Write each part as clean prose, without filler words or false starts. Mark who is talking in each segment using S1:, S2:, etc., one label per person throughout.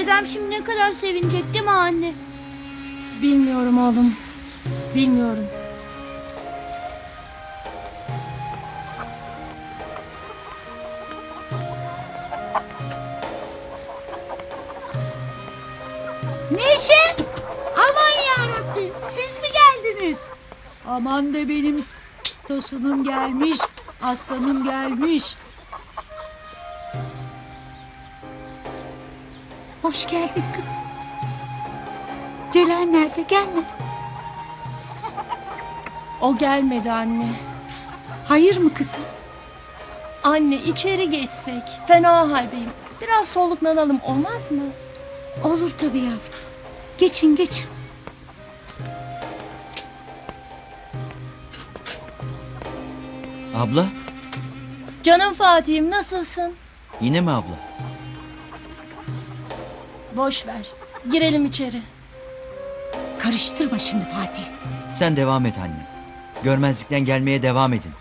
S1: Dedem şimdi ne kadar sevinecek değil mi anne?
S2: Bilmiyorum oğlum. Bilmiyorum.
S3: Neşe! Aman yarabbi, siz mi geldiniz? Aman da benim tosunum gelmiş, aslanım gelmiş. Hoş geldin kızım. Celal nerede, gelmedi?
S2: O gelmedi anne.
S3: Hayır mı kızım?
S2: Anne içeri geçsek. Fena haldeyim. Biraz soluklanalım olmaz mı?
S3: Olur tabii yavrum. Geçin geçin.
S4: Abla?
S2: Canım Fatih'im nasılsın?
S4: Yine mi abla?
S2: Boş ver. Girelim içeri.
S3: Karıştırma şimdi Fatih.
S4: Sen devam et anne. Görmezlikten gelmeye devam edin.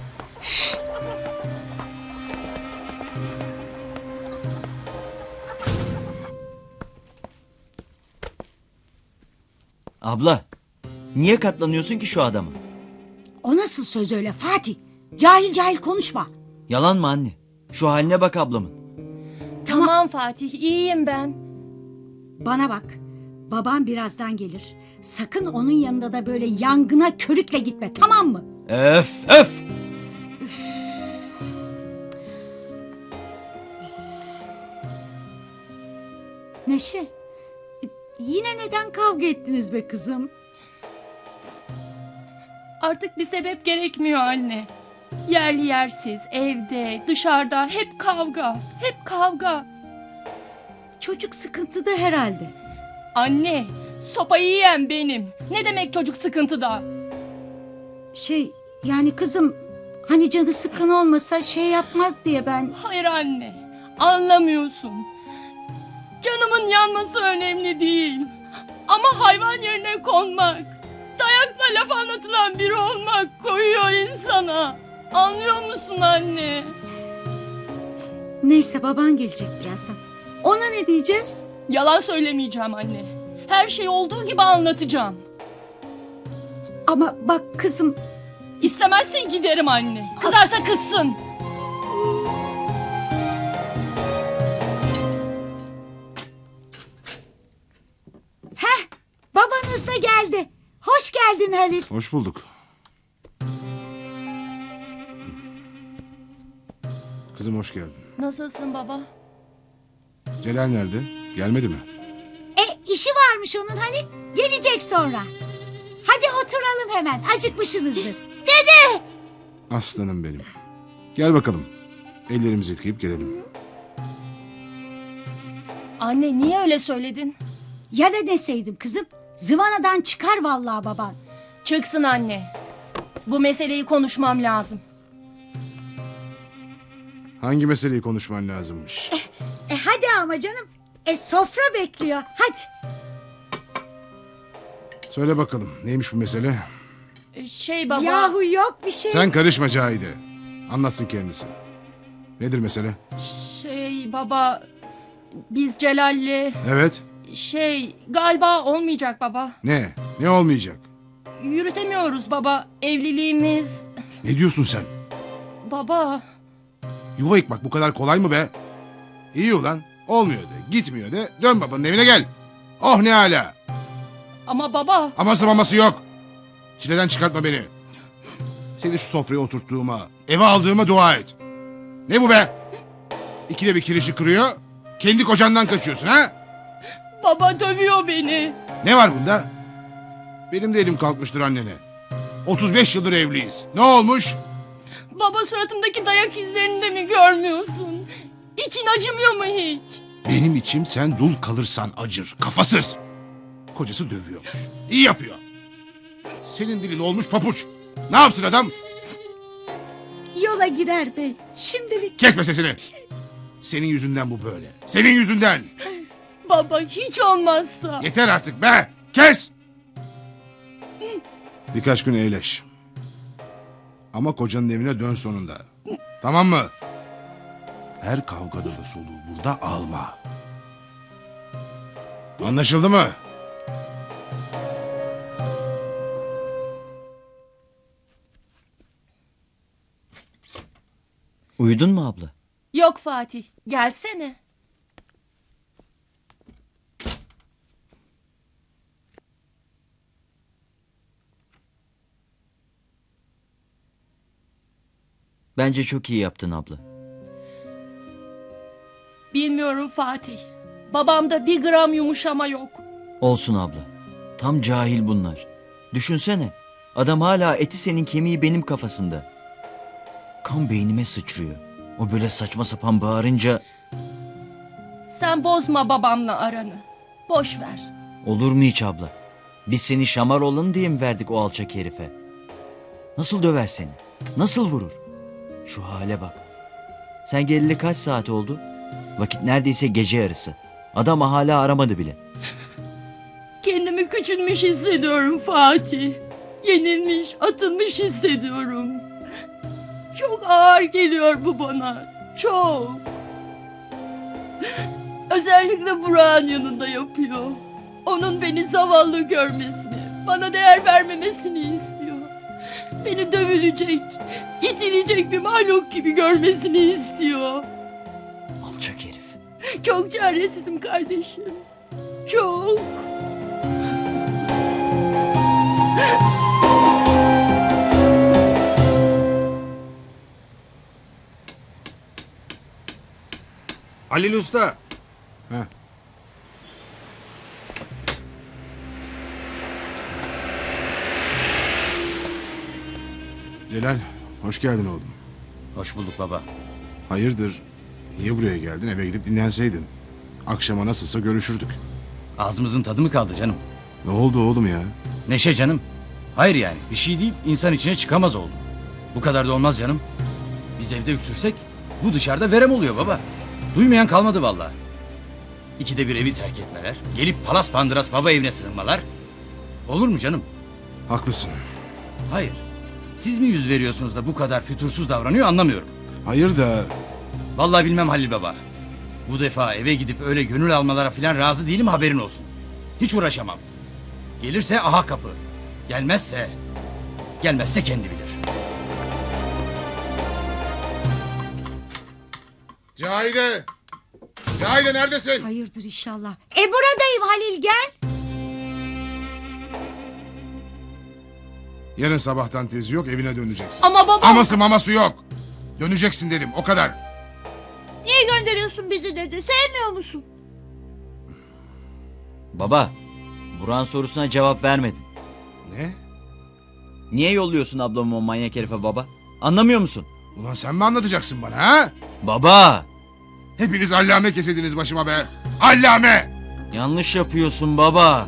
S4: Abla, niye katlanıyorsun ki şu adama?
S3: O nasıl söz öyle Fatih? Cahil cahil konuşma.
S4: Yalan mı anne? Şu haline bak ablamın.
S2: Tamam Fatih, iyiyim ben.
S3: Bana bak. Baban birazdan gelir. Sakın onun yanında da böyle yangına körükle gitme, tamam mı?
S4: Öf öf!
S3: Neşe, yine neden kavga ettiniz be kızım?
S2: Artık bir sebep gerekmiyor anne. Yerli yersiz, evde, dışarıda hep kavga. Hep kavga.
S3: Çocuk sıkıntıda herhalde.
S2: Anne, sopayı yiyen benim. Ne demek çocuk sıkıntıda?
S3: Yani kızım, hani canı sıkın olmasa şey yapmaz diye ben...
S2: Hayır anne, anlamıyorsun. Canımın yanması önemli değil. Ama hayvan yerine konmak, dayakla laf anlatılan biri olmak koyuyor insana. Anlıyor musun anne?
S3: Neyse, baban gelecek birazdan. Ona ne diyeceğiz?
S2: Yalan söylemeyeceğim anne. Her şeyi olduğu gibi anlatacağım.
S3: Ama bak kızım...
S2: İstemezsen giderim anne. Kızarsa kızsın.
S3: Babanız da geldi. Hoş geldin Halil.
S5: Hoş bulduk. Kızım hoş geldin.
S2: Nasılsın baba?
S5: Celal nerede? Gelmedi mi?
S3: İşi varmış onun Halil. Gelecek sonra. Hadi oturalım hemen. Acıkmışsınızdır.
S5: Aslanım benim. Gel bakalım. Ellerimizi yıkayıp gelelim.
S2: Anne niye öyle söyledin?
S3: Ya da deseydim kızım. Zıvanadan çıkar vallahi baban.
S2: Çıksın anne. Bu meseleyi konuşmam lazım.
S5: Hangi meseleyi konuşman lazımmış?
S3: Hadi ama canım. Sofra bekliyor. Hadi.
S5: Söyle bakalım. Neymiş bu mesele?
S2: Baba.
S3: Yahu yok bir şey.
S5: Sen karışma Cahide. Anlatsın kendisi. Nedir mesele?
S2: Baba. Biz Celal'le...
S5: Evet.
S2: Galiba olmayacak baba.
S5: Ne? Ne olmayacak?
S2: Yürütemiyoruz baba. Evliliğimiz...
S5: Ne diyorsun sen?
S2: Baba.
S5: Yuva yıkmak bu kadar kolay mı be? İyi ulan. Olmuyor de. Gitmiyor de. Dön babanın evine gel. Oh ne hala.
S2: Ama baba.
S5: Aması maması yok. Çileden çıkartma beni. Seni şu sofraya oturttuğuma, eve aldığıma dua et. Ne bu be? İkide bir kirişi kırıyor. Kendi kocandan kaçıyorsun ha?
S2: Baba dövüyor beni.
S5: Ne var bunda? Benim de elim kalkmıştır annene. 35 yıldır evliyiz. Ne olmuş?
S2: Baba suratımdaki dayak izlerini de mi görmüyorsun? İçin acımıyor mu hiç?
S5: Benim içim sen dul kalırsan acır. Kafasız. Kocası dövüyormuş. İyi yapıyor. Senin dilin olmuş papuç. Ne yapsın adam?
S3: Yola girer bey. Şimdilik.
S5: Kesme sesini. Senin yüzünden bu böyle. Senin yüzünden.
S2: Baba hiç olmazsa.
S5: Yeter artık be. Kes. Birkaç gün eğleş. Ama kocanın evine dön sonunda. Tamam mı? Her kavgada da soluğu burada alma. Anlaşıldı mı?
S4: Uyudun mu abla?
S2: Yok Fatih, gelsene.
S4: Bence çok iyi yaptın abla.
S2: Bilmiyorum Fatih. Babamda bir gram yumuşama yok.
S4: Olsun abla. Tam cahil bunlar. Düşünsene. Adam hala eti senin kemiği benim kafasında. Kan beynime sıçrıyor. O böyle saçma sapan bağırınca
S2: Sen bozma babamla aranı. Boş ver.
S4: olur mu hiç abla? Biz seni şamar olalım diye mi verdik o alçak herife? Nasıl döver seni? Nasıl vurur? Şu hale bak. Sen geleli kaç saat oldu? Vakit neredeyse gece yarısı. Adam hala aramadı bile.
S2: Kendimi küçülmüş hissediyorum Fatih. Yenilmiş, atılmış hissediyorum. Çok ağır geliyor bu bana. Çok. Özellikle Burak'ın yanında yapıyor. Onun beni zavallı görmesini, bana değer vermemesini istiyor. Beni dövülecek, itilecek bir mahluk gibi görmesini istiyor.
S4: Alçak herif.
S2: Çok çaresizim kardeşim. Çok.
S5: Halil Usta. Heh. Celal, hoş geldin oğlum.
S6: Hoş bulduk baba.
S5: Hayırdır? Niye buraya geldin? Eve gidip dinlenseydin. Akşama nasılsa görüşürdük.
S6: Ağzımızın tadı mı kaldı canım?
S5: Ne oldu oğlum ya?
S6: Neşe canım. Hayır yani bir şey değil insan içine çıkamaz oldu. Bu kadar da olmaz canım. Biz evde öksürsek bu dışarıda verem oluyor baba. Duymayan kalmadı vallahi. İkide bir evi terk etmeler. Gelip palas pandıras baba evine sığınmalar. Olur mu canım?
S5: Haklısın.
S6: Hayır. Siz mi yüz veriyorsunuz da bu kadar fütursuz davranıyor anlamıyorum.
S5: Hayır da
S6: Vallahi bilmem Halil baba. Bu defa eve gidip öyle gönül almalara falan razı değilim haberin olsun. Hiç uğraşamam. Gelirse aha kapı. Gelmezse kendi bilir.
S5: Cahide! Cahide neredesin?
S3: Hayırdır inşallah. Buradayım Halil, gel.
S5: Yarın sabahtan tezi yok, evine döneceksin.
S2: Ama baba...
S5: Aması maması yok. Döneceksin dedim, o kadar.
S1: Niye gönderiyorsun bizi dedi. Sevmiyor musun?
S4: Baba, Burak'ın sorusuna cevap vermedin.
S5: Ne?
S4: Niye yolluyorsun ablamı o manyak herife baba? Anlamıyor musun?
S5: Ulan sen mi anlatacaksın bana ha?
S4: Baba!
S5: Hepiniz allame kesediniz başıma be. Allame!
S4: Yanlış yapıyorsun baba.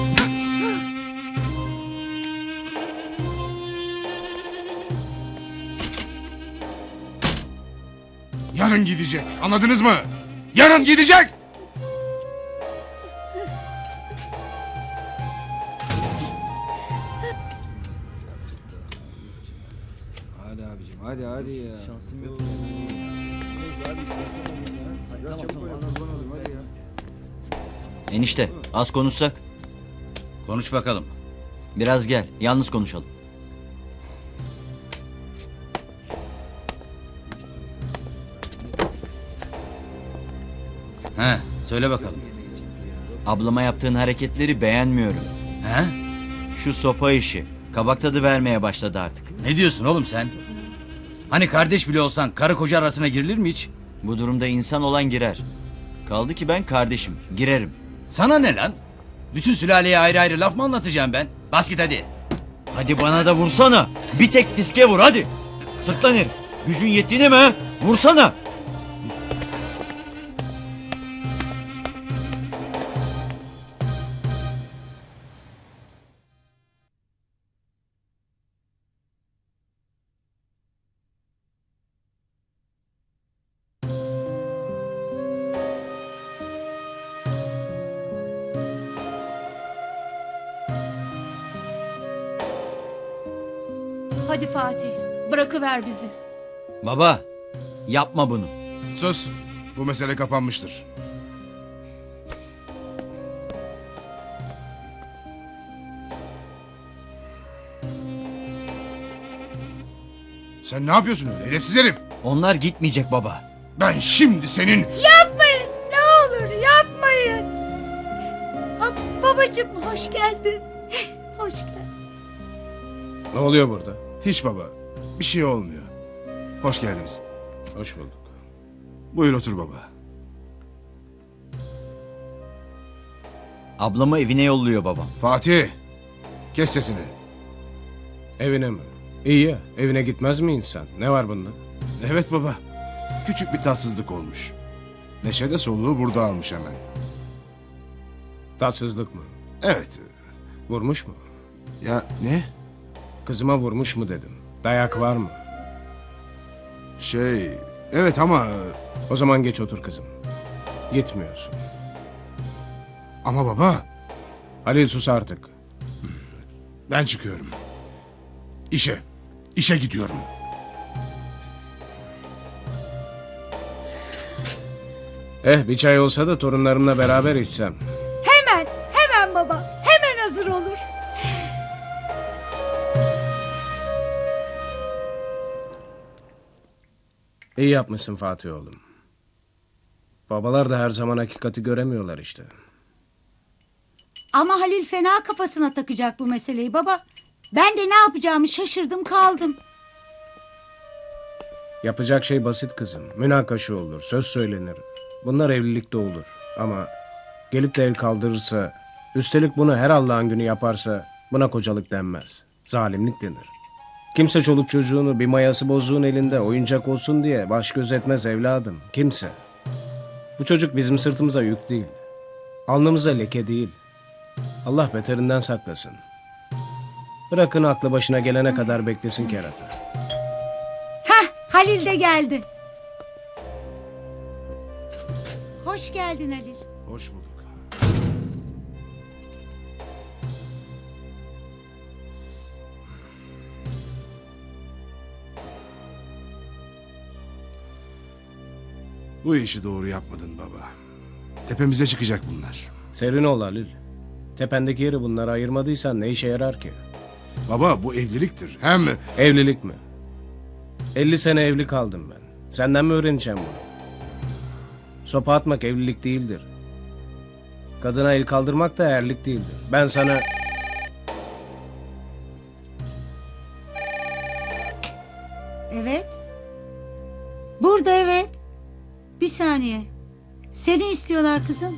S5: Yarın gidecek, anladınız mı? Yarın gidecek!
S7: Hadi abicim hadi ya. Şansım yok.
S4: Enişte, az konuşsak.
S6: Konuş bakalım.
S4: Biraz gel, yalnız konuşalım.
S6: He, söyle bakalım.
S4: Ablama yaptığın hareketleri beğenmiyorum.
S6: He?
S4: Şu sopa işi, kabak tadı vermeye başladı artık.
S6: Ne diyorsun oğlum sen? Hani kardeş bile olsan karı koca arasına girilir mi hiç?
S4: Bu durumda insan olan girer. Kaldı ki ben kardeşim, girerim.
S6: Sana ne lan? Bütün sülaleye ayrı ayrı laf mı anlatacağım ben? Bas git hadi.
S4: Hadi bana da vursana. Bir tek fiske vur hadi. Sırtlan herif. Gücün yettiğine mi ha? Vursana.
S2: Hadi Fatih, bırakıver bizi.
S4: Baba, yapma bunu.
S5: Sus, bu mesele kapanmıştır. Sen ne yapıyorsun öyle edepsiz herif?
S4: Onlar gitmeyecek baba.
S5: Ben şimdi senin...
S3: Yapmayın ne olur yapmayın. Babacığım hoş geldin. Hoş geldin.
S8: Ne oluyor burada?
S5: Hiç baba. Bir şey olmuyor. Hoş geldiniz.
S8: Hoş bulduk.
S5: Buyur otur baba.
S4: Ablamı evine yolluyor babam.
S5: Fatih. Kes sesini.
S8: Evine mi? İyi ya. Evine gitmez mi insan? Ne var bunda?
S5: Evet baba. Küçük bir tatsızlık olmuş. Neşe de soluğu burada almış hemen.
S8: Tatsızlık mı?
S5: Evet.
S8: Vurmuş mu?
S5: Ya ne?
S8: Kızıma vurmuş mu dedim. Dayak var mı?
S5: Evet ama...
S8: O zaman geç otur kızım. Gitmiyorsun.
S5: Ama baba...
S8: Halil sus artık.
S5: Ben çıkıyorum. İşe gidiyorum.
S8: Bir çay olsa da torunlarımla beraber içsem.
S3: Hemen baba. Hemen hazır olur.
S8: İyi yapmışsın Fatih oğlum. Babalar da her zaman hakikati göremiyorlar işte.
S3: Ama Halil fena kafasına takacak bu meseleyi baba. Ben de ne yapacağımı şaşırdım kaldım.
S8: Yapacak şey basit kızım. Münakaşa olur, söz söylenir. Bunlar evlilikte olur. Ama gelip de el kaldırırsa, üstelik bunu her Allah'ın günü yaparsa buna kocalık denmez. Zalimlik denir. Kimse çoluk çocuğunu bir mayası bozuğun elinde oyuncak olsun diye baş göz etmez evladım. Kimse. Bu çocuk bizim sırtımıza yük değil. Alnımıza leke değil. Allah beterinden saklasın. Bırakın aklı başına gelene kadar beklesin kerata.
S3: Halil de geldi. Hoş geldin Halil.
S5: Hoş bulduk. Bu işi doğru yapmadın baba. Tepemize çıkacak bunlar.
S8: Serin ol Halil. Tependeki yeri bunlara ayırmadıysan ne işe yarar ki?
S5: Baba bu evliliktir. Hem...
S8: Evlilik mi? 50 sene evli kaldım ben. Senden mi öğreneceğim bunu? Sopa atmak evlilik değildir. Kadına el kaldırmak da erlik değildir. Ben sana...
S3: Evet. Burada evet. Bir saniye. Seni istiyorlar kızım.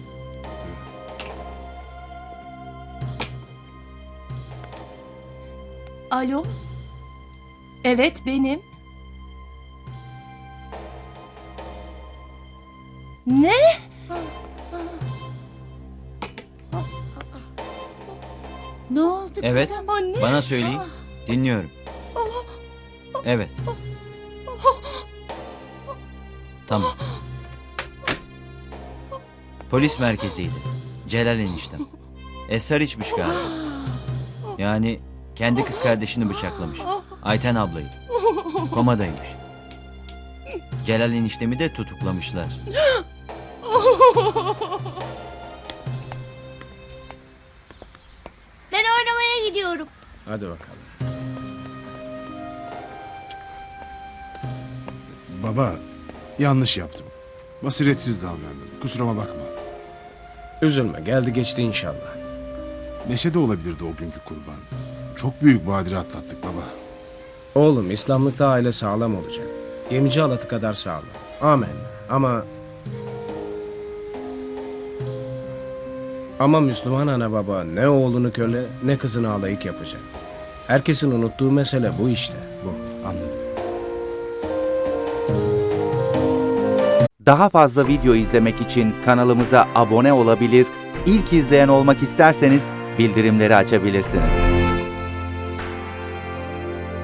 S2: Alo? Evet benim. Ne?
S3: Ne oldu
S4: Evet.
S3: kızım?
S2: Anne.
S4: Bana söyleyin. Dinliyorum. Evet. Tamam. Polis merkeziydi. Celal eniştem. Esrar içmiş galiba. Yani kendi kız kardeşini bıçaklamış. Ayten ablayı. Komadaymış. Celal eniştemi de tutuklamışlar.
S1: Ben oynamaya gidiyorum.
S8: Hadi bakalım.
S5: Baba yanlış yaptım. Basiretsiz davrandım. Kusuruma bakma.
S8: Üzülme, geldi geçti inşallah.
S5: Neşe de olabilirdi o günkü kurban. Çok büyük badire atlattık baba.
S8: Oğlum, İslamlıkta aile sağlam olacak. Gemici halatı kadar sağlam. Amen. Ama Müslüman ana baba ne oğlunu köle ne kızını alayık yapacak. Herkesin unuttuğu mesele bu işte. Bu.
S5: Anladım.
S9: Daha fazla video izlemek için kanalımıza abone olabilir, ilk izleyen olmak isterseniz bildirimleri açabilirsiniz.